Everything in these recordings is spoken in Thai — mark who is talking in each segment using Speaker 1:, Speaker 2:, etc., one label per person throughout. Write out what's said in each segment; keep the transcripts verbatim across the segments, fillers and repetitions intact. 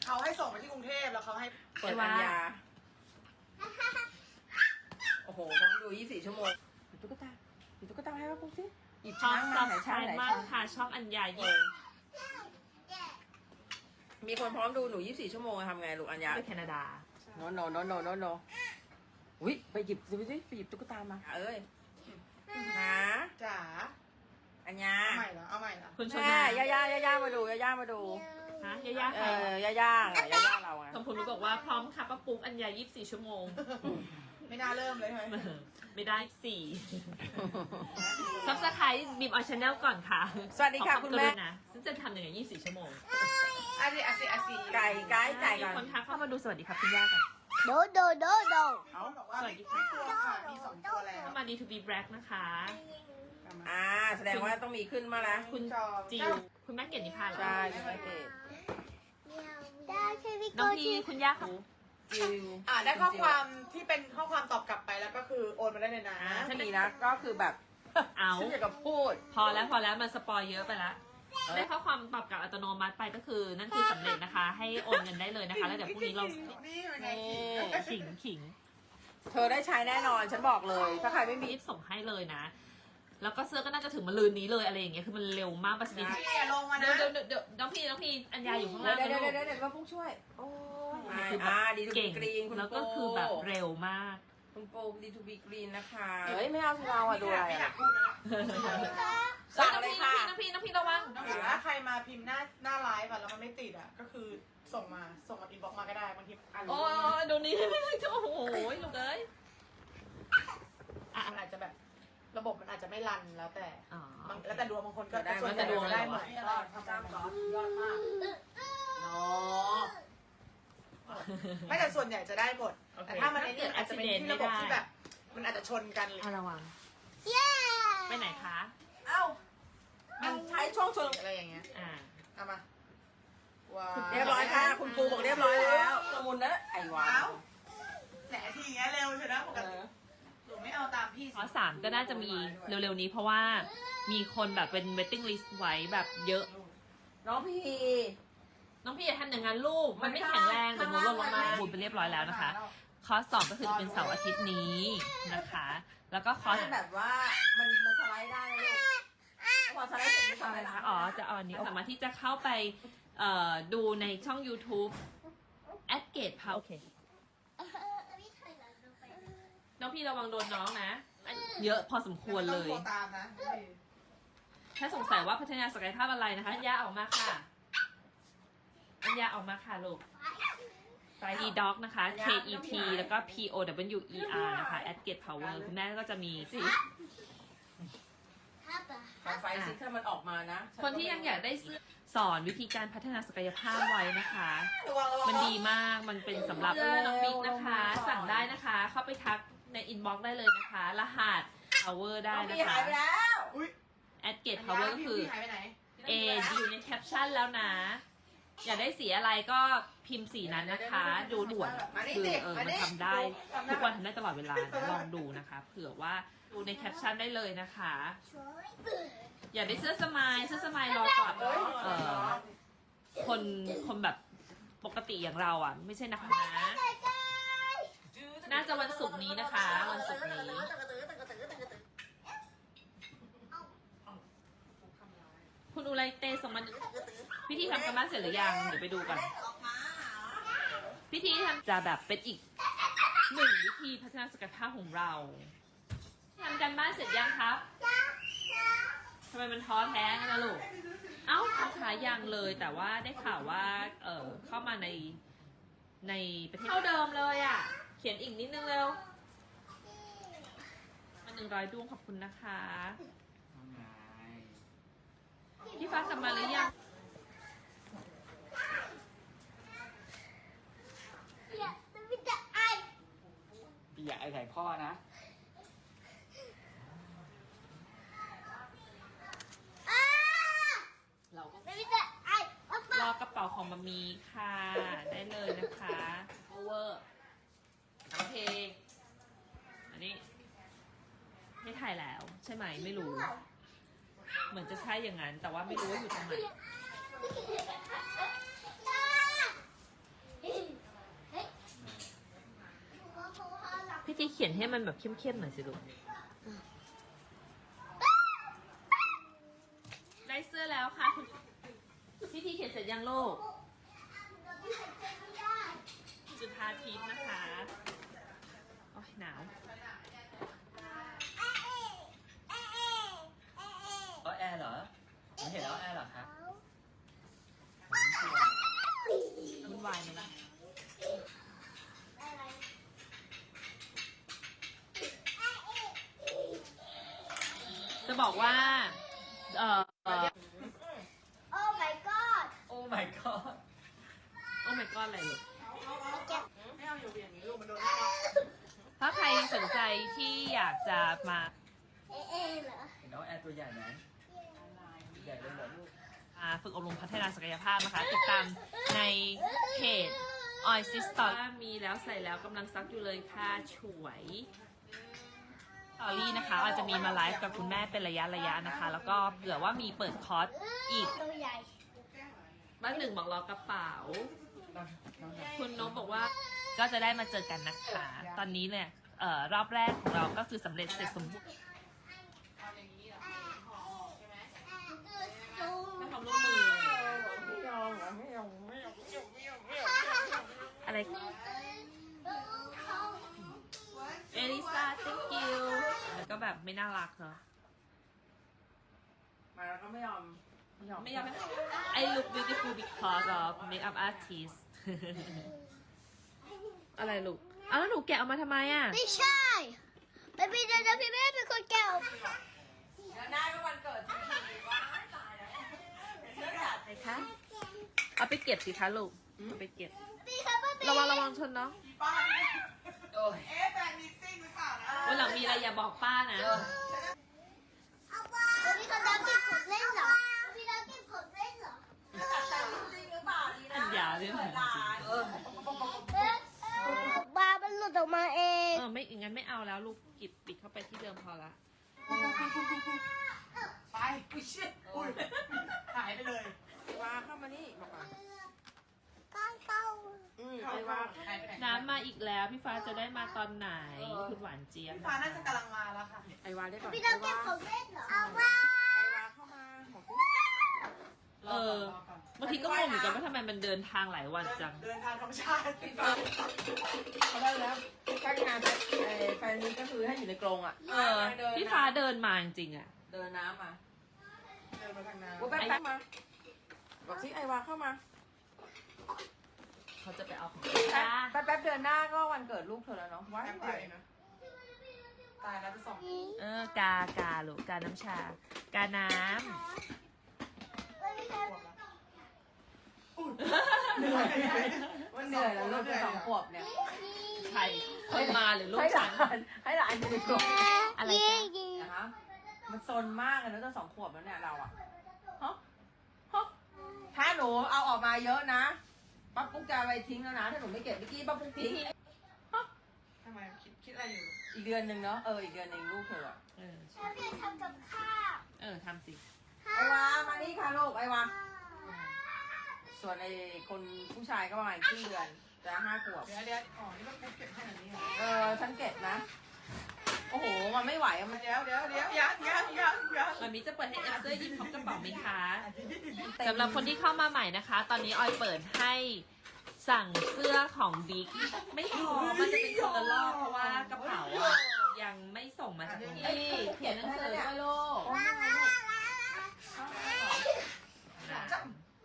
Speaker 1: เขาให้ส่งมาที่กรุงเทพแล้วเขาให้
Speaker 2: เปิดอัญญาโอ้โหต้องดูยี่สิบสี่ชั่วโมงหยิบตุ๊กตาหยิบตุ๊กตาให้ว่าปุ๊บสิหยิบ
Speaker 3: ชอบ
Speaker 2: ช้าง
Speaker 3: ซั
Speaker 2: มา
Speaker 3: บ
Speaker 2: ไหน
Speaker 3: สไคร
Speaker 2: ช้างไหน
Speaker 3: ต์มา
Speaker 2: ช้าก ง
Speaker 3: ค่ะช่องอัญญา
Speaker 2: เอ
Speaker 3: ยิ่ง
Speaker 2: อมีคนพร้อมดูหนูยี่สิบสี่ชั่วโมงทำไงลูกอัญญา
Speaker 3: ไปแคนาดา
Speaker 2: โนโนโนโนโนโนอุ้ยไปหยิบดูสิไปหยิบตุ๊กตามาเอ้ยหา
Speaker 1: จ๋า
Speaker 2: อัญญา
Speaker 1: เอาใหม่เหรอเอาใหม่เหรอ
Speaker 3: คุณช
Speaker 2: แม่
Speaker 3: นา
Speaker 2: ย่าย่าย่าย่ามาดูย่าย่ามาดู
Speaker 3: ฮะย่าย่า
Speaker 2: เอ
Speaker 3: ค่ะ
Speaker 2: อย่าย่าอะย่าย่าเราอะ
Speaker 3: สมพลรู้บอกว่าพร้อมค่ะป้าปุ๊กอัญญายี่สิบสี่ชั่วโมง
Speaker 1: ไม่น่าเริ่มเลยใช่ไหม
Speaker 3: ไม่ได้สี่ซับสไครต์บีมออชแนลก่อนค่ะ
Speaker 2: สวัสดีค่ะ
Speaker 3: ขอ
Speaker 2: คุณ
Speaker 3: กรุ
Speaker 2: แม่
Speaker 3: ณาซึ่งจะทำยังไงยี่สิบสี่ชั่วโมง
Speaker 1: อาซีอาซีอาซี
Speaker 2: ไก่ไก่ไก่
Speaker 3: มี
Speaker 2: ก่อน
Speaker 3: คนทักเข้ามาดูสวัสดีครับคุณย่ากัน
Speaker 4: โดโดโดโด
Speaker 1: เขาบอกว่า
Speaker 3: สวัสดี
Speaker 1: ไม่
Speaker 3: ค่ะ
Speaker 1: กลัวค่ะมีสองตัวแล้ว
Speaker 3: เข้ามา ดี ทู บี Black นะคะ
Speaker 2: อ่าแสดงว่าต้องมีขึ้นมาแล้ว
Speaker 3: คุณจิวคุณแม่เกดนิพาเหรอ
Speaker 2: ใช่คุณแม่เกด
Speaker 4: ได้ใช่พี่
Speaker 3: น้
Speaker 4: โก
Speaker 3: องพี่
Speaker 4: จิ
Speaker 3: คุณย่าค่ะ
Speaker 2: จิว
Speaker 1: อ่าได้ข้อความที่เป็นข้อความตอบกลับไปแล้วก็คือโอนมาได้เลยนะ
Speaker 3: อ่า
Speaker 2: ถ้ามีนะก็คือแบบ
Speaker 3: เอา
Speaker 2: ฉันอยากจะพูด
Speaker 3: พอแล้วพอแล้วมันสปอยเยอะไปละได้ข้อความตอบกลับอัตโนมัติไปก็คือนั่นคือสำเร็จนะคะ ให้โอนเงินได้เลยนะคะ แล้วเดี๋ยวพรุ่งนี้เรา
Speaker 1: นี่เป็นไง
Speaker 3: ขิงขิง
Speaker 2: เธอได้ใช้แน่นอนฉันบอกเลย ถ้าใครไม่มี
Speaker 3: รีบส่งให้เลยนะ แล้วก็เสื้อก็น่าจะถึงมะรืนนี้เลยอะไรอย่างเงี้ยคือมันเร็วมากประสิทธิภาพ
Speaker 1: นี่อย่าลงมา
Speaker 3: เดี๋ย
Speaker 1: นะ
Speaker 3: วเดี๋ยวเดี๋ยวน้องพี่น้องพี่อัญญาอยู่ข้าง
Speaker 2: เดี๋ย
Speaker 3: ล่าว ง
Speaker 2: เดี๋ยว
Speaker 3: นะ
Speaker 2: เดี๋ยว
Speaker 3: ลูก
Speaker 2: เดี๋ยวเดี๋ยวมาพุ่งช่วย โอ้ย
Speaker 3: คือแบบ
Speaker 2: อ่าดีทูบี
Speaker 3: เก่ง
Speaker 2: กรีนคุณ
Speaker 3: แล้วก็
Speaker 2: โ
Speaker 3: คือแบบเร็วมาก
Speaker 2: คุณโปดีทูบีกรีนนะคะเฮ้ยไม่เอาสิเราอะดูอะไร
Speaker 1: ไม่อยา
Speaker 2: อะ
Speaker 1: กพูดนะ
Speaker 2: สั่ง
Speaker 3: น้อง
Speaker 2: เลย
Speaker 3: พี่
Speaker 2: ค่ะ
Speaker 3: น้องพี่น้องพี่ระวัง
Speaker 1: น้องถือว่าใครมาพิมพ์หน้าหน้าไลฟ์อะแล้วมันไม่ติดอะก็คือส่งมาส่งมาอินบ็อกมาก็ได้บางทีอ่าน
Speaker 3: โอ้ยดูนี่โอ้โหลูกเอ้ยอ่ะ
Speaker 1: มันอาจจะแบบระบบมันอาจจะไม่รันแล้วแต่
Speaker 3: อ๋อ
Speaker 1: บางแล้วแต่ดวงบางคนก็
Speaker 2: ได้
Speaker 1: ส่วนใหญ่
Speaker 3: แล้วแต่ดวง
Speaker 1: จะได้
Speaker 3: เลย
Speaker 1: หม
Speaker 3: เหรอ
Speaker 1: ดก็ทำตามก่อนยอดมาก
Speaker 2: เนาะ
Speaker 1: ไม่แต่ส่วนใหญ่จะได้หมด
Speaker 3: โอเค
Speaker 1: แต่ถ้ามันในนี้อาจจะเป็นที่ระบบที่แบบ มันอาจจะชนกันเลย
Speaker 3: อ่ะระวัง
Speaker 4: เย้
Speaker 3: ไปไหนคะ
Speaker 2: เอ้ามันใช้ช่วงชน
Speaker 1: อะไรอย่างเงี้ย
Speaker 3: อ่า
Speaker 1: เอามาว้าว
Speaker 2: เรียบร้อยค่ะ คุณปูบอกเรียบร้อยแล้วสมุนนะไอ้วา
Speaker 1: เอ้าว แหนทีเงี้ยเร็วใช่ไหมปกติหนูไม่เอาตามพี่
Speaker 3: ข้อสามก็น่าจะมีเร็วๆนี้เพราะว่ามีคนแบบเป็น waiting list ไว้แบบเยอะ
Speaker 2: น้องพี่
Speaker 3: น้องพี่อย่าทำอย่างนั้นลูก มันไม่แข็งแรงเดี๋ยวหนูลงลงมาบุญไปเรียบร้อยแล้วนะคะ คอร์สสองก็คือจะเป็นเสาร์อาทิตย์นี้นะคะ แล้วก็คอร์ส
Speaker 2: ถ้าแบบว่ามันมันสไลด์ได้นะลูกพอสไลด์เสร็จมันทำอะไร
Speaker 3: นะ
Speaker 2: นะคะ
Speaker 3: อ๋อ จะเอาอันนี้สามารถที่จะเข้าไปเอ่อดูในช่อง YouTube at gate power โอเค
Speaker 4: พี่ถอยหลังลงไป
Speaker 3: น้องพี่ระวังโดนน้องนะอันเยอะพอสมควรเลย
Speaker 1: ไม่ต้องโทรตามนะ
Speaker 3: ถ้าสงสัยว่าพัฒนาศักยภาพอะไรนะคะ อัญญาออกมาค่ะ อัญญาออกมาค่ะลูกไฟดีด็อกนะคะ K E T แล้วก็ P O W E R นะคะ at gate power คุณแม่ก็จะมีสิ
Speaker 4: ฮับอะ
Speaker 2: ขอไฟซิถ้ามันออกมานะ
Speaker 3: คนที่ยังอยากได้เสื้อสอนวิธีการพัฒนาศักยภาพไว้นะคะ
Speaker 2: ระวังระวัง
Speaker 3: มันดีมาก มันเป็นสำหรับน้องบิ๊กนะคะ สั่งได้นะคะ เข้าไปทักในอินบ็อกซ์ได้เลยนะคะ รหัส power ได้
Speaker 2: น้อง
Speaker 3: นะ
Speaker 2: พี่
Speaker 3: คะ
Speaker 2: หายไปแล้ว
Speaker 1: อุ้ย
Speaker 3: at gate power ก็คือ
Speaker 1: พี่หายไปไหน
Speaker 3: A อยู่ในแคปชั่นแล้วนะ อยากได้สีอะไรก็พิมพ์สีนั้นนะคะ ดูด่วนคือเออมันทำได้ ทุกวันทำได้ตลอดเวลานะลองดูนะคะ เผื่อว่าดูในแคปชั่นได้เลยนะคะ
Speaker 4: ช่วย
Speaker 3: อยากได้เสื้อสมายเสื้อสมายรอก่อน
Speaker 2: เอ้ย
Speaker 3: เออคนคนแบบปกติอย่างเราอ่ะ ไม่ใช่นะคะนะ น่าจะวันศุกร์นี้นะคะ วันศุกร์นี้ คุณอุไรเตส่งมาพิธีทำกันบ้านเสร็จหรือยัง เดี๋ยวไปดูก่อนพิธีทำจะแบบเป็นอีกหนึ่งวิธีพัฒนาศักยภาพของเราทำกันบ้านเสร็จยังครับทำไมมันท้อแท้กันนะลูก เอ้าท้ายังเลยแต่ว่าได้ข่าวว่า เออเข้ามาในในประเทศเท่าเดิมเลยอ่ะ เขียนอีกนิดนึงเร็วมาหนึ่งร้อยดวงขอบคุณนะคะ พี่ฟ้ากลับมาหรือยัง
Speaker 4: อย่าไม่จะไอ
Speaker 5: อย่าไอ้ไข่พ่อนะ
Speaker 4: อ้า
Speaker 3: เราก็
Speaker 4: ไม่จะไออ๊ะ
Speaker 3: รอกระเป๋าของมามีค่ะ ได้เลยนะคะ over โอเค อันนี้ ไม่ถ่ายแล้ว ใช่ไหมไม่รู้ เหมือนจะใช่อย่างนั้น แต่ว่าไม่รู้ว่าอยู่ตรงไหนเขียนให้มันแบบเข้มๆหน่อยสิลูก ได้เสื้อแล้วค่ะคุณพี่ทีเขียนเสร็จยังลูก จุธาทิพย์นะคะโอ้ยหนาว
Speaker 5: เอาแอร์เหรอไม่เห็นเอาแอร์เหรอคะ
Speaker 3: วุ่นวายไหมจะบอกว่า เอ่อ
Speaker 4: โอ้ my god
Speaker 5: โอ้ my god
Speaker 3: โอ้ my god อะไรลูก
Speaker 1: ไม่เอาอยู่อย่างนี้ลูกมันโดนไม่รับ
Speaker 3: ถ้าใครสนใจที่อยากจะมา
Speaker 4: เอ๊ะเอ๊ะเหรอ
Speaker 5: เห็นเอาแอร์ตัวใหญ่ไหมใหญ่เลยเหรอลูก
Speaker 3: อ่าฝึกอบรมพัฒนาศักยภาพนะคะ ติดตามในเพจ Oil System มีแล้วใส่แล้วกำลังซักอยู่เลยค่ะฉวยสตอรี่นะคะอาจจะมีมาไลฟ์กับคุณแม่เป็นระยะระยะนะคะ แล้วก็เผื่อว่ามีเปิดคอร์สอีก
Speaker 4: ตัวใหญ่
Speaker 3: บ้านหนึ่งบอกรอกระเป๋า
Speaker 5: น้องน้อง
Speaker 3: คุณนกบอกว่าก็จะได้มาเจอกันนะคะ ตอนนี้เนี่ยเอ่อรอบแรกของเราก็คือสำเร็จเสร็จสมบูรณ์
Speaker 1: เอาอย่างนี้เหรอห่อใช่ไหม
Speaker 3: ให้ความร่วมมือ
Speaker 2: ไม่ยอมเหรอไม่ยอมไม่ยอมไม่ยอมไม่ยอมไม่ยอม
Speaker 3: อะไร เอลิซา thank you แล้วก็แบบไม่น่ารักเนาะ
Speaker 2: มาแล้วก็ไม่ยอมไม่ยอม
Speaker 3: ไม่ยอมไม่ I look beautiful because of makeup artist อะไรลูกเอาแล้วหนูแกะออกมาทำไมอ่ะ
Speaker 4: ไม่ใช่ไม่เป็นไรนะพี่แม่เป็นคนแก้ว
Speaker 2: แล้วหน้าก็วันเกิดทีว้าตายแล้วเสื้อจัด
Speaker 3: อะไรคะ เอาไปเก็บสิคะลูกเอาไปเก็บ
Speaker 4: พี่ครับป้า
Speaker 3: ระวังระวังชนเนาะ
Speaker 1: ป้า
Speaker 5: โอ้ย
Speaker 1: เอ๊ะแฟนมิกซิ่งหรือเปล่านะ
Speaker 3: วันหลังมีอะไรอย่าบอกป้านะ
Speaker 4: เอาป้าพี่เขาดำเก็บผมเล่นเหรอพี่ดำเก็บผมเล่นเหรอ
Speaker 3: อันยาเลยเหรอจริง
Speaker 5: เออ
Speaker 4: ปลามันหลุดออกมาเอง
Speaker 3: เออไม่งั้นไม่เอาแล้วลูกกิบปิดเข้าไปที่เดิมพอละ
Speaker 1: ไปอุ้ยเชี่ยอุ้ยหายไปเลย
Speaker 2: วาเข้ามานี่บอกก่อน
Speaker 4: ก้างเต้า
Speaker 2: อืมไอ้วา
Speaker 1: หายไปไหน
Speaker 3: น้ำมาอีกแล้วพี่ฟ้าจะได้มาตอนไหนคุณหวานเจี๊ยบ
Speaker 1: พี่ฟ้าน่าจะกำลังมาแล้วค่ะ
Speaker 2: ไอ้วาได้ก่อน
Speaker 4: พี่
Speaker 2: ไอ้
Speaker 4: ดำเก็
Speaker 2: วา
Speaker 4: บผมเล่นเหรอเอาว่า
Speaker 2: ไอ้วาเข้ามาบอกสิ
Speaker 3: เออบางทีก็งงเหมือนกันว่าทำไมมันเดินทางหลายวันจัง
Speaker 1: เดินทางธรรมชาติ
Speaker 2: เขาได้แล้วใกล้งานไอ้แฟนนี้ก็คือให้อยู่ในกรงอ่ะ
Speaker 3: เออพี่ฟ้าเดินมาจริงๆอ่ะ
Speaker 2: เดินน้ำมา
Speaker 1: เดินมาทางน้
Speaker 2: โอ้แป๊บแป๊บมาบอกสิไอ้วาเข้ามา
Speaker 3: เขาจะไปเอาของ
Speaker 2: แป๊บแป๊บแป๊บเดือนหน้าก็วันเกิดลูกเธอแล้วเนาะ
Speaker 1: ำ
Speaker 2: ว้าย
Speaker 1: แป๊บ
Speaker 2: ไป
Speaker 1: เดียวเองนะตายแล้วจะส่ง
Speaker 3: เออกากาลูกกาน้ำชา กาน้
Speaker 1: เหนื่อย
Speaker 2: มันเหนื่อยแล้วลูกจะสองขวบเนี่ย
Speaker 3: ำใครคนมาหรือลูก
Speaker 2: ให้ห
Speaker 3: ฉั
Speaker 2: ลาน นให้หลานอยู่ในกรง
Speaker 3: อะไรจ๊ะ
Speaker 2: นะคะมันซนมากเลยนะตั้งสองขวบแล้วเนี่ยเราอะฮะฮะถ้าหนูเอาออกมาเยอะนะป้าปุ๊กจะเอาไปทิ้งแล้วนะถ้าหนูไม่เก็บเมื่อกี้ป้าปุ๊กทิ้ง
Speaker 1: ทำไมคิดคิดอะไรอยู่
Speaker 2: อีกเดือนหนึ่งเนาะเอออีกเดือนหนึ่งลูกเธออะ
Speaker 3: เออ
Speaker 4: แล้วพี่ทำกับข้าว
Speaker 3: เออทำสิ
Speaker 2: ไอวามานี่ค่ะลูกไอวาส่วนไอคนผู้ชายก็ประมาณครึ่งเดือนจะห้าขวบ
Speaker 1: เดี๋ยวเดี๋ยวอ๋อนี่มันปุ๊บเก็บขนาดนี้เหรอ
Speaker 2: เออฉันเก็บนะ โอ้โหมันไม่ไหวอะมัน
Speaker 1: เดี๋ยวเดี๋ยวเดี๋ยวยังยังยังยัง
Speaker 3: มันมีจะเปิดให้เอฟเซอร์ยิบพร้อมกระเป๋าไหมคะสำหรับคนที่เข้ามาใหม่นะคะ ตอนนี้ออยเปิดให้สั่งเสื้อของบิ๊กไม่พอมันจะเป็นคนละรอบเพราะว่ากระเป๋าอะยังไม่ส่งมาจากตรงนี้เขียนหนังสือด้วยลูก
Speaker 2: โอ้ยลูก
Speaker 1: จับ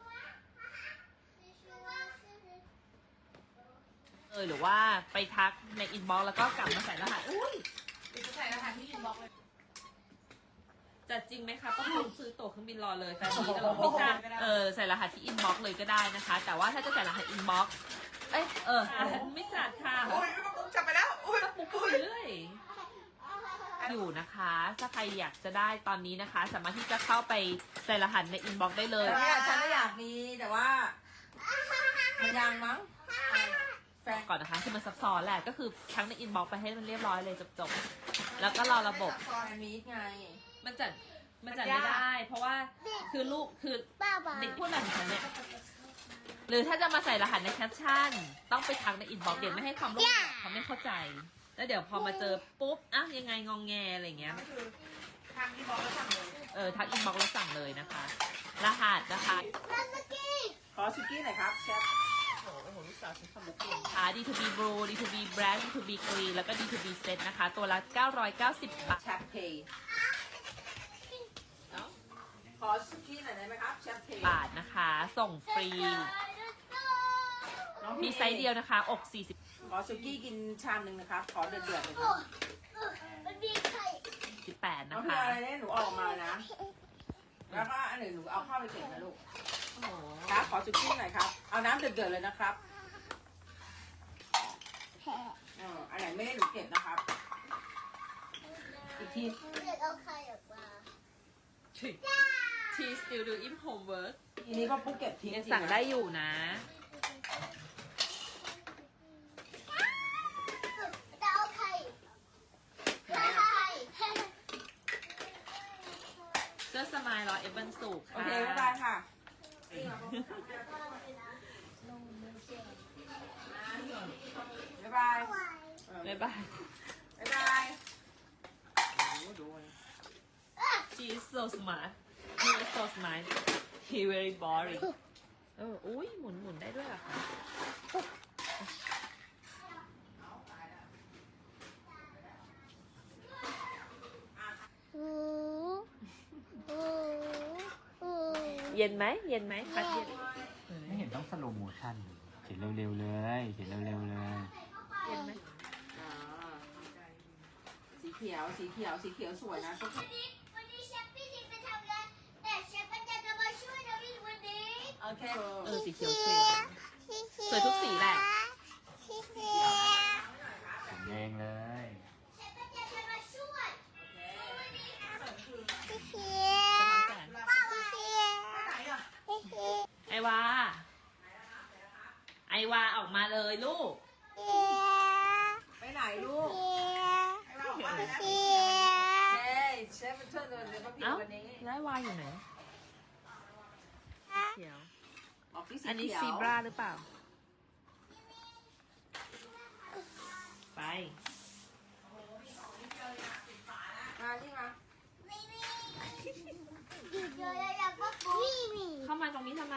Speaker 3: เออหรือว่าไปทักในอินบ็อกซ์แล้วก็กลับมาใส่รหัสอุ้ย
Speaker 1: เดี๋ยวจะใส่รหัสที่อินบ็อกซ์เลย
Speaker 3: จัดจริงไหมคะป้าผมซื้อตั๋วเครื่องบินรอเลยแฟนนี้จะบอกไม่จ้าเออใส่รหัสที่อินบ็อกซ์เลยก็ได้นะคะ แต่ว่าถ้าจะใส่รหัสอินบ็อกซ์เอ้ยเออไม่จัดค่ะ
Speaker 1: อุ้ยปุ๊บจับไปแล้วอุ้ย
Speaker 3: ปุ๊บปุ๊บเรื่อยอยู่นะคะ ถ้าใครอยากจะได้ตอนนี้นะคะ สามารถที่จะเข้าไปใส่รหัสในอินบ็อกซ์ได้เลย
Speaker 2: แต่เนี่ยฉันก็อยากมีแต่ว่า มันยังมั้งแฟน
Speaker 3: ก่อนนะคะคือมันซับซ้อนแหละก็คือทั้งในอินบ็อกซ์ไปให้มันเรียบร้อยเลยจบๆแล้วก็รอระบบ
Speaker 2: แฟนมีดไง
Speaker 3: มันจัดมันจัดไม่ได้ เพราะว่าคือลูกคือ
Speaker 4: ป้าบ้า
Speaker 3: เด็กพูดแบบฉันเนี่ยหรือถ้าจะมาใส่รหัสในแคปชั่น ต้องไปทักในอินบ็อกซ์เด็กไม่ให้ความร่วมมือเขาไม่เข้าใจแล้วเดี๋ยวพอมาเจอปุ๊บอ่ะยังไงงองแงอะไรเงี้ย
Speaker 1: ก็คือทางที่บอกแล้วสั่งเลย
Speaker 3: เออทักอินบ็อกซ์แล้วสั่งเลยนะคะ รหัสนะคะ
Speaker 4: แล้วเมื่อกี้
Speaker 2: ขอสุกี้หน่อยครับเชฟ
Speaker 3: โอ้โหลูกสาวฉันทำบุกเก่งค่ะ ดี ทู บี Blue ดี ทู บี Brand ดี ทู บี Clean แล้วก็ ดี ทู บี Set นะคะ ตัวละเก้าร้อยเก้าสิบบาท
Speaker 2: แชฟเพย์ขอสุกี้หน่อยได้ไหมครับแชฟเพย์
Speaker 3: บาทนะคะ ส่งฟรี มีไซส์เดียวนะคะ อก สี่สิบ
Speaker 2: ขอสุกี้กินชามหนึ่งนะครับ ขอเดือดๆเลยค
Speaker 4: โอ้
Speaker 2: รับ
Speaker 4: เออมันมีไข่
Speaker 3: สิบแปด
Speaker 2: น้อ
Speaker 3: นะ
Speaker 2: งพี่
Speaker 3: คะ
Speaker 2: อะไรเนี่ยหนูออกมานะ แล้วก็อันหนึ่งหนูเอาเข้าไปเก็บนะลูก
Speaker 3: โอ้โห
Speaker 2: ครับ ขอสุกี้หน่อยครับ เอาน้ำเดือดๆเลยนะครับ
Speaker 4: แผล
Speaker 2: เอออันไหนไม่ได้หนูเก็บนะครับ อีกที
Speaker 4: หนูอยากเอาไข่ออกมา
Speaker 3: ชี still doing homework
Speaker 2: ทีนี้ก็ปุ๊กเก็บทิ้ง
Speaker 3: ยังสั่งได้อยู่นะ
Speaker 4: จะเอาไข่ไข่ไข่
Speaker 3: เสื้อสมายรอเอฟวันสุก
Speaker 2: โอ
Speaker 3: ค่ะ
Speaker 2: เคบ๊ายบายค่ะ บ๊ายบายเออ
Speaker 3: บ๊ายบาย
Speaker 2: บ๊ายบายโอ้ดูเลย
Speaker 3: she is so smart he is so smart he very boring เอออุ้ยหมุนหมุนได้ด้วยเหรอคะ
Speaker 4: หูหูหู
Speaker 3: เย็นไหมเย็นไหมพัดเย็น
Speaker 5: ไม่เห็นต้องสโลโมชั่นเขียนเร็วๆเลย เขียนเร็วๆเลย
Speaker 3: เย็นไหม
Speaker 2: อ่าสีเขียว สีเขียว สีเขียวสวยนะก็คือ
Speaker 4: วันนี้วันนี้เชฟพี่ทิมไปทำงานแต่เชฟปัญญาจะมาช่วยนะพี่วันนี้
Speaker 2: โอเค
Speaker 3: เออสีเขียวสวยสวยทุกสีแหละ
Speaker 4: สีเขียว
Speaker 5: เขียนเองเลย
Speaker 4: เชฟปัญญาจะมาช่วยวันนี้สีเขี
Speaker 3: สะ
Speaker 4: ยว
Speaker 3: ท้อนแสง
Speaker 4: ป้าสีเขียว
Speaker 1: ไหนอ่ะ
Speaker 4: สีเขียว
Speaker 3: ไอวา ไอวาออกมาเลยลูก
Speaker 2: ไปไหนลูก
Speaker 1: ไอ้เราบอกว่าอะไรนะ
Speaker 2: เฮ้ยเชฟเป็นเพื่อนเลยเดี๋ยวมาผิด
Speaker 3: เอ้า
Speaker 2: วันนี้
Speaker 3: แล้วไอวาอยู่ไหนเขียว
Speaker 2: ออกที่สี
Speaker 3: อันนี้
Speaker 2: เขียว
Speaker 3: ซีบราหรือเปล่า ไป
Speaker 2: มาที่มา
Speaker 4: หยุดเลยอยากว่าปุ๊บ
Speaker 3: เข้ามาตรงนี้ทำไม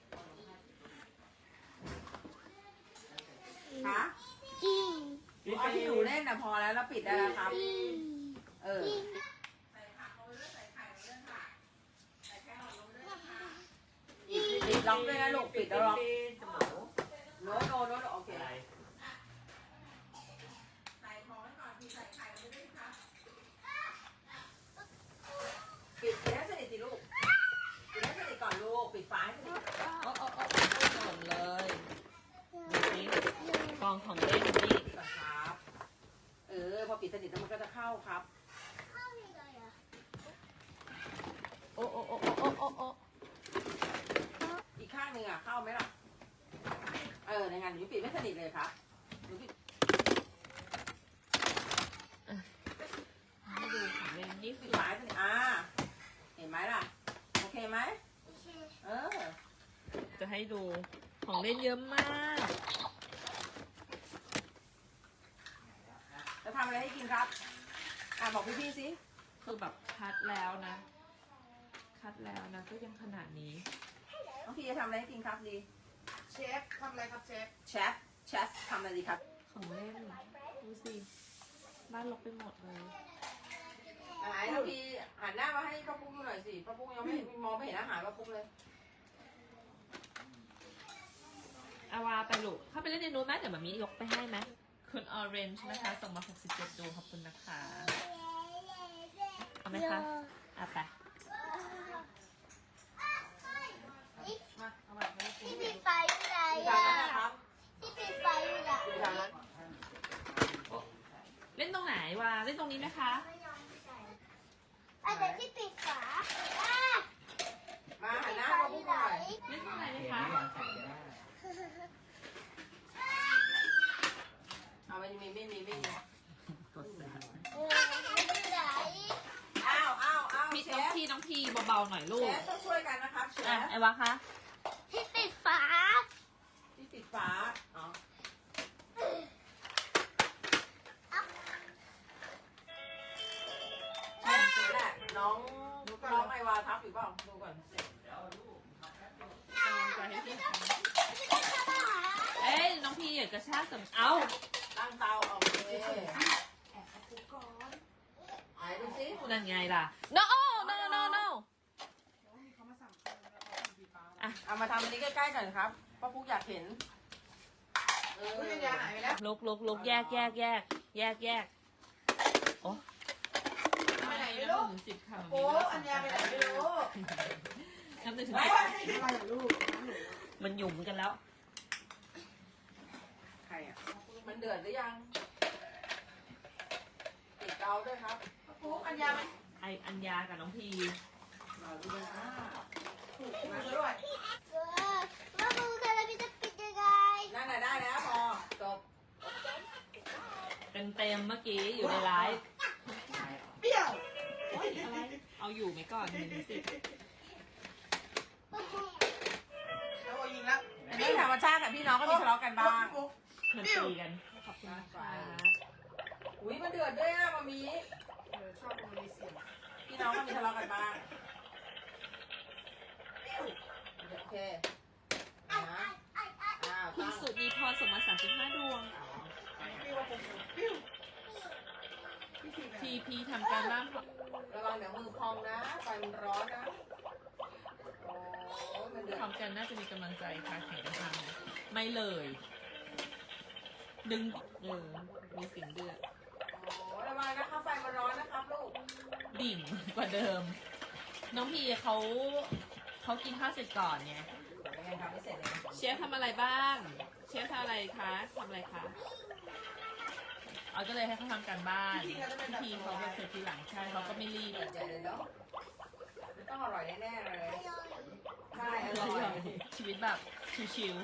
Speaker 2: คะ
Speaker 4: กิน
Speaker 2: เอาที่หนูเล่นนะพอแล้วแล้วปิดได้แล้วครับ เออ ปิดล็อกด้วยนะลูก ปิดแล้วล็อกโน้ตโน้ตโน้ตโอเคปิดปิดให้สนิทสิลูก ปิดให้สนิทก่อนลูก ปิดฝาให้สนิท
Speaker 3: โอ้โอ้โอ้หล่นเลยนี่กองของเล่นนี่
Speaker 2: ก่อนครับ เออ พอปิดสนิทแล้วมันก็จะเข้าครับ
Speaker 4: เข้ายังไงอะ
Speaker 3: โอ้โอ้โอ้โอ้โอ้โอ้โอ้
Speaker 2: อีกข้างหนึ่งอ่ะ เข้าไหมล่ะ เออ ในงานหนูปิดไม่สนิทเลยครับหนูปิด
Speaker 3: ให้ดูของเล่นนี่
Speaker 2: ปิ
Speaker 3: คื
Speaker 2: ด
Speaker 3: อ
Speaker 2: ฝาให้สนิทอ่า เห็นไหมล่ะ โอเคไหม
Speaker 4: โอเค
Speaker 2: เออ
Speaker 3: จะให้ดูของเล่นเยอะมาก
Speaker 2: จะทำอะไรให้กินครับ อ่ะบอกพี่พี่ๆสิ
Speaker 3: คือแบบคัดแล้วนะ คัดแล้วนะก็ยังขนาดนี้
Speaker 2: น้องพี่จะทำอะไรให้กินครับดี
Speaker 1: เชฟทำอะไรครับเชฟ
Speaker 2: เชฟ เชฟทำอะไรดีครับ
Speaker 3: ของเล่นดูสิบ้านรกไปหมดเลย
Speaker 2: ไหนน้องพี่หันหน้ามาให้ป้าปุ้งดูหน่อยสิป้าปุ้งยังไม่เห็นมองไม่เห็นอาหารป้าปุ้งเลย
Speaker 3: อาวาไปลูกเข้าไปเล่นในนู้นไหมเดี๋ยวมามียกไปให้ไหมคุณออเรนจ์นะคะส่งมาหกสิบเจ็ดดวงขอบคุณนะคะ เอาไหมคะ อ่ะไป
Speaker 2: มาเอามาให้กิน
Speaker 4: ที่
Speaker 2: ดู
Speaker 4: ปิดไฟอยู่ไหน
Speaker 2: ดู
Speaker 4: อะ
Speaker 2: ทางนั้นนะครับ
Speaker 4: ที่ปิดไฟอยู่ไหน
Speaker 2: ดูทางนั้น
Speaker 3: เล่นตรงไหนวะเล่นตรงนี้ไหมคะ
Speaker 4: อันไหนที่ปิดฝาอ่ะ
Speaker 2: มาหันหน้า
Speaker 4: ไฟ
Speaker 2: ป้า
Speaker 4: อ
Speaker 2: ปุ้ง
Speaker 4: ยู่
Speaker 2: ห
Speaker 4: ไหน
Speaker 2: น่อย
Speaker 3: เล่นตรงไหนไหม
Speaker 5: เขียน
Speaker 3: คะ
Speaker 5: ไม่ยังใส่ได้
Speaker 2: เอาไม่มีไม่มีไม่มี
Speaker 3: กดแสบ
Speaker 4: เอออยู่ไหน
Speaker 2: อ้าวอ้าวอ้าว
Speaker 3: พี่
Speaker 2: เช
Speaker 3: น้อง
Speaker 2: ฟ
Speaker 3: พี่น้องพี่เบาๆหน่อยลู
Speaker 2: เช
Speaker 3: ก
Speaker 2: ฟต้องช่วยกันนะครับเช
Speaker 3: อ่ะ
Speaker 2: ฟ
Speaker 3: ไอวะคะ
Speaker 4: ที่ปิดฝา
Speaker 2: ที่ติดฝาอ๋อ
Speaker 4: เอา
Speaker 2: ดูก่อน
Speaker 3: กำลังใจให้พี่ทำเอ้ยน้องพี่อยากกระชากแต่เอ้า
Speaker 2: ตั้งเตาออกเลยไหนดูสิ
Speaker 3: นั่นไงล่ะ no no no no
Speaker 1: เขามาสั่งข้าวแล้วเอาสีฟ้า
Speaker 3: อ่ะ
Speaker 2: เอามาทำอันนี้ใกล้ๆกันครับป้าปุ๊กอยากเห็นเออ
Speaker 1: อุ้ยอัญญาหายไปแล้ว
Speaker 3: ลุกลุกลุกแยกแยกแยกแยกแยกโอ้
Speaker 1: ไปไหนไม่รู้
Speaker 3: ถึงสิบค่ะ
Speaker 1: โอ้อัญญาไปไหนไม่รู้
Speaker 3: นับหนึ่งถึง
Speaker 1: ไม่
Speaker 3: สิบ
Speaker 1: อะไรอะลูก
Speaker 3: มันหยุ่มกันแล้ว
Speaker 2: ใครอ่ะมันเดือดหรือยังติดเตาด้วยครับ
Speaker 1: ปุ๊กอัญญามัน
Speaker 3: ไออัญญากับน้องพี
Speaker 2: มาดูนะ
Speaker 1: ถูกถูกด้วย
Speaker 4: เออมาดูกันแล้วพี่จะปิดยังไง
Speaker 2: นั่นน่ะได้แล้วพอจบ
Speaker 3: เต็มเต็มๆเมื่อกี้อยู่ในไลฟ์
Speaker 1: เปรี้ยว
Speaker 3: เอาอยู่ไหมก่อนหนึ่งสิบ
Speaker 1: แล้วโอยิงแล้ว
Speaker 2: อันนี้ธรรมชาติกับพี่น้องก็มีทะเลาะกันบ้าง
Speaker 1: ปุ๊ก
Speaker 3: มันตีกันขอบคุณนะคะ
Speaker 2: อุ้ยมันเดือดด้วยอ่ะมามี
Speaker 1: เออชอบมันมีเสียง
Speaker 2: พี่น้องก็มีทะเลาะกันบ้างโอเคนะอ้าว
Speaker 3: คุณ
Speaker 2: ตั้ง
Speaker 3: สุนีพรส่งมาสามสิบห้าดวง
Speaker 1: ปิ้วว่าปุ๊กปิ้วพี่ที
Speaker 3: พีพีทำการบ้าน
Speaker 2: ระวังเดี๋ยวมือพองนะไฟมันร้อนนะโอ้ยมันเดือด
Speaker 3: ทำกันน่าจะมีกำลังใจค่ะแข่งกันทำไม่เลย ดึงเออมีเสียงเดือด
Speaker 2: โอ้ยระวังนะคะไฟมันร้อนนะครับลูก
Speaker 3: ดิ่งกว่าเดิม น้องพีเขาเขากินข้าวเสร็จก่อนไง
Speaker 2: ยังไงทำไม่เสร็จเลย
Speaker 3: เชฟทำอะไรบ้าง เชฟทำอะไรคะทำอะไรคะเอาก็เลยให้เขาทำการบ้านพี่พีเขาเป็นเสร็จทีหลังใช่เขาก็ไม่รีบ
Speaker 2: เดือดใจเลยเนาะมันต้องอร่อยแน่ๆเลยใช่อร่อย
Speaker 3: ชีวิตแบบชิว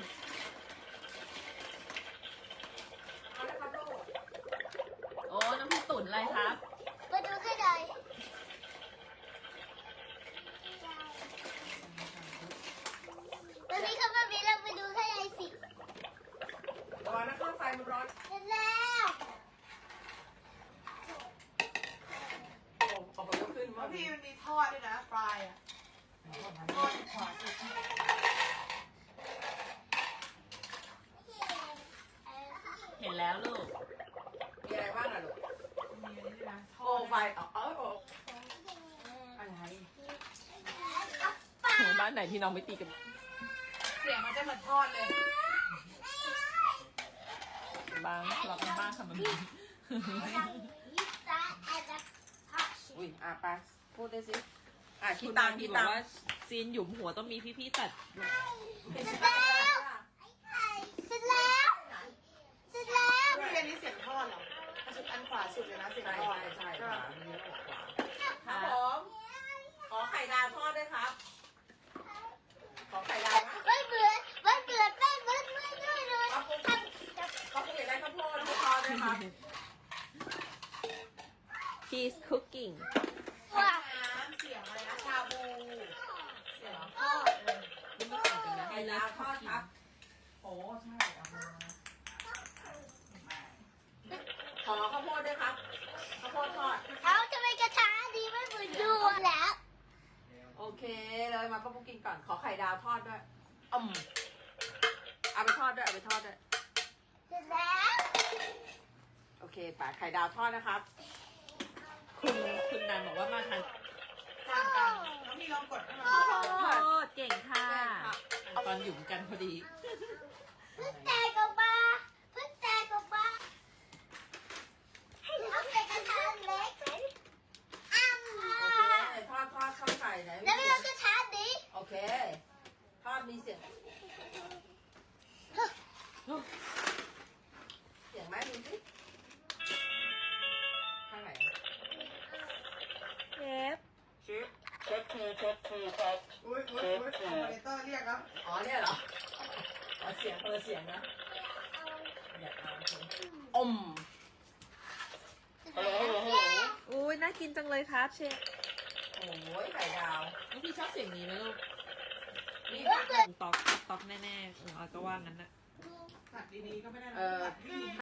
Speaker 2: เอาละครับลูก
Speaker 3: ๆโอ้น้องพี่ตุ๋นอะไรครับ
Speaker 4: มาดูกันหน่อยวันนี้เขามามีเราไปดูข้างในสิ
Speaker 2: ระวังนะคะไฟมันร้อน
Speaker 4: เสร็จแล้ว
Speaker 2: โอ้ออกมาขึ้น
Speaker 1: แล้
Speaker 2: มาว
Speaker 1: พี่มันมีทอดด้วยนะฟรายอ่ะทอดขวาสุด
Speaker 3: เห็นแล้วลูก
Speaker 2: มีอะไรบ้างอะลูก
Speaker 1: มีอันนี้ด้วยนะท
Speaker 2: โอ้
Speaker 1: อด
Speaker 2: ไฟอ๋อเออโอ้อะไร
Speaker 3: โหบ้านไหนพี่น้องไม่ตีกัน
Speaker 1: เสียงมันจะเหมือนทอดเลย
Speaker 3: บ้างทะเลาะกันบ้างค่ะมัน
Speaker 2: อุ้ยอ่ะไปพูดได้สิอ่ะคิ
Speaker 3: คุ
Speaker 2: ด
Speaker 3: ณ
Speaker 2: ตั
Speaker 3: ตาง
Speaker 2: ค์
Speaker 3: พี
Speaker 2: คิด
Speaker 3: บ
Speaker 2: ตั
Speaker 3: อก
Speaker 2: งค์
Speaker 3: ว่าซีนหยุมหัวต้องมีพี่ๆตัด
Speaker 2: คิดตังค์เลยค่ะ
Speaker 4: เสร็จแล้วเสร็จแล้ว
Speaker 1: พี่อันนี้เสียงทอดเหรออันสุดอันขวาสุดเลยนะเสียง
Speaker 2: ใช่
Speaker 1: ทอด
Speaker 2: ใช่ใช่
Speaker 1: ก็
Speaker 2: ค่ะมีเยอะกว่าครับผมขอไข่ดาวทอดด้วยครับ ขอไข่ดาวนะ
Speaker 4: มันเบื่อมันเบื่อแป้งมันไม่ด้วยเลย
Speaker 2: ขอบคุณครับขอบคุณอยากได้ข้าวโพดทอดด้วยครับ
Speaker 3: He's cooking
Speaker 4: ว้า
Speaker 1: น้ำเสียงอะไรนะชาบู
Speaker 2: เสียง
Speaker 1: ทอดเออ
Speaker 3: นี่ไม่ต่างกันนะ
Speaker 2: ไข่ดาวทอดครับ โอ้ใช่เอามาขอข้าวโพดด้วยครับ ข้าวโพดทอด
Speaker 4: เอาทำไมกระทะดีไม่เหมือนดูแล้ว
Speaker 2: โอเคเลยมาป้าปุ๊กกินก่อน ขอไข่ดาวทอดด้วยอืมเอาไปทอดด้วย เอาไปทอดด้วย
Speaker 4: เสร็จแล้ว
Speaker 2: โอเคป่ะไข่ดาวทอดนะครับ
Speaker 3: คุณคุณนันบอกว่ามาทาน
Speaker 1: ต่างกันแล้วมีลองกดให้มัน
Speaker 3: โทษเก่งค่ะ ตอนหยุ่มกันพอดี
Speaker 4: เพิ่งแตกออกมาเพิ่งแตกออกมาเอาใส่กระทะเล็กอ้ำ
Speaker 2: โอเคทอดทอดข้าวไข่ไหน
Speaker 4: แล้วไม่เอากระทะนี้
Speaker 2: โอเค ทอดมีเสียง เสียงไหมมีสิข้างไหน
Speaker 3: เชฟ
Speaker 2: เชฟเชฟคือเชฟคือครับ
Speaker 1: อุ้ยอุ้ยอุ้ยคอมเมนเตอร์เรียกแล้ว
Speaker 2: อ๋อเนี่ยเหรออ๋อเสียงเออเสียงนะอยากเอาอม
Speaker 3: อุ้ยน่ากินจังเลยครับเชฟ
Speaker 2: โอ้ยไข่ดาว
Speaker 3: น้องพี่ชอบเสียงนี้ไหมลูก
Speaker 2: นี่
Speaker 3: ตอกตอกแน่ๆเออเอาก็ว่างั้นนะ
Speaker 1: ตัดดีๆก็ไม่ได้นะ
Speaker 2: เออ
Speaker 1: ตัดดี